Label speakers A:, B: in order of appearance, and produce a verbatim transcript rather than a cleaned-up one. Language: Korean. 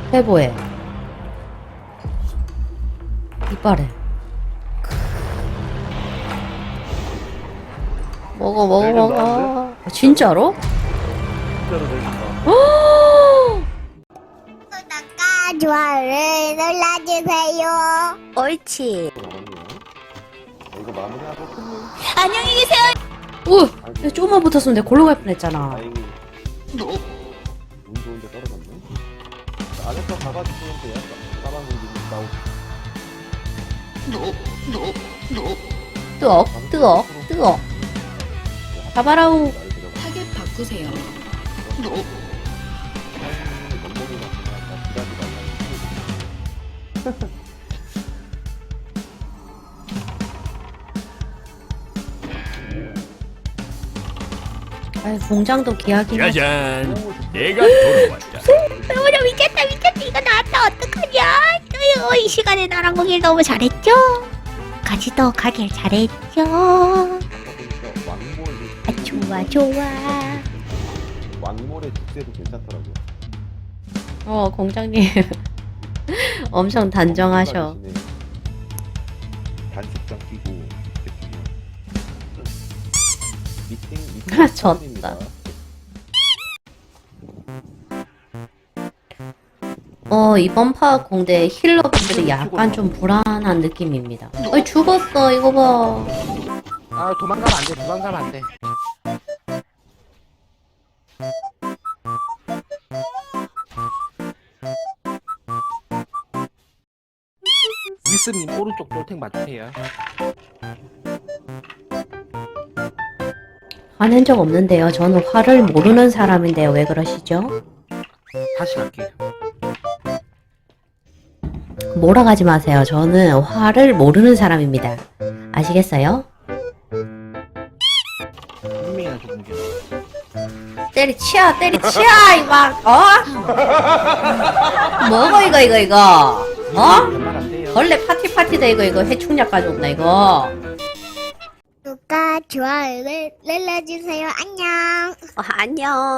A: 해보해. 이빨에. 먹어, 먹어,
B: 되게
A: 먹어.
B: 나은데?
A: 아, 진짜로?
B: 진짜로 되겠다.
C: 구독과 좋아요를 눌러주세요. 옳지.
B: 이거 마무리하고 끝내.
C: 안녕히 계세요.
A: 우! 내가 조금만 붙었으면 내가 골로 갈 뻔했잖아.
B: 다행히 운 좋은데 떨어졌네. 안에서 가가지고 돼요. 가방 공기 나오고.
A: 뜨억, 뜨억, 뜨억. 가바라우.
D: 타겟 바꾸세요.
A: 아이, 공장도 기하긴 하지.
E: 짜잔, 내가 돌아왔다.
C: 어머나 미쳤다 미쳤다 이거 나왔다 어떡하냐. 어휴, 이 시간에 나랑 공일 너무 잘했죠? 같이도 가길 잘했죠? 아 좋아 좋아.
B: 왕몰의 축제도 괜찮더라고요.
A: 어, 공장님. 엄청 단정하셔.
B: 단식장 끼고 미팅
A: 아,
B: 미팅
A: 졌다. 어, 이번 파악 공대 힐러분들이 약간 좀 불안한 느낌입니다. 어이, 죽었어, 이거 봐.
F: 아 도망가면 안돼 도망가면 안돼 윌슨님 오른쪽 돌탱 맞으세요.
A: 화낸 적 없는데요. 저는 화를 모르는 사람인데요. 왜 그러시죠?
F: 다시 갈게요.
A: 몰아가지 마세요. 저는 화를 모르는 사람입니다. 아시겠어요?
F: 한 명이나 죽은 게
A: 때리치야, 때리치야, 이 막, 어? 뭐고, 이거, 이거, 이거? 어?
F: 말안 돼요.
A: 원래 파티 파티다, 이거, 이거. 해충약 가져온다, 이거.
C: 구독과 좋아요를 눌러주세요. 안녕.
A: 어, 안녕.